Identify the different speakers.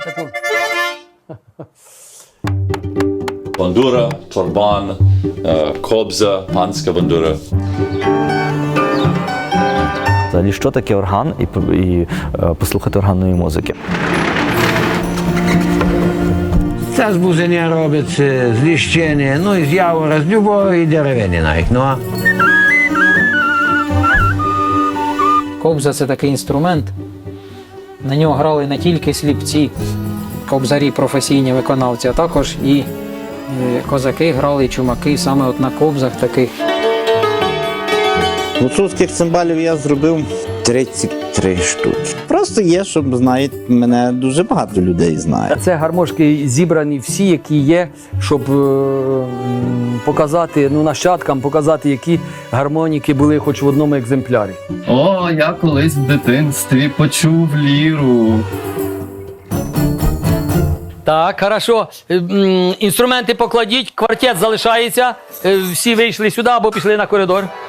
Speaker 1: Бандура, чорбан, кобза, панська бандура.
Speaker 2: Взагалі, що таке орган і послухати органної музики?
Speaker 3: Це з бузення робиться, з ліщини, ну і з явора, з любої деревини навіть. Ну, а
Speaker 4: Кобза – це такий інструмент. На нього грали не тільки сліпці, кобзарі, професійні виконавці, а також і козаки грали, і чумаки саме от на кобзах таких.
Speaker 5: Гуцульських цимбалів я зробив 33 штуки. Просто є, щоб знають, мене дуже багато людей знає.
Speaker 6: Це гармошки зібрані всі, які є, щоб показати, нащадкам показати, які гармоніки були хоч в одному екземплярі.
Speaker 7: О, я колись в дитинстві почув ліру.
Speaker 6: Так, хорошо. Інструменти покладіть, квартет залишається. Всі вийшли сюди або пішли на коридор.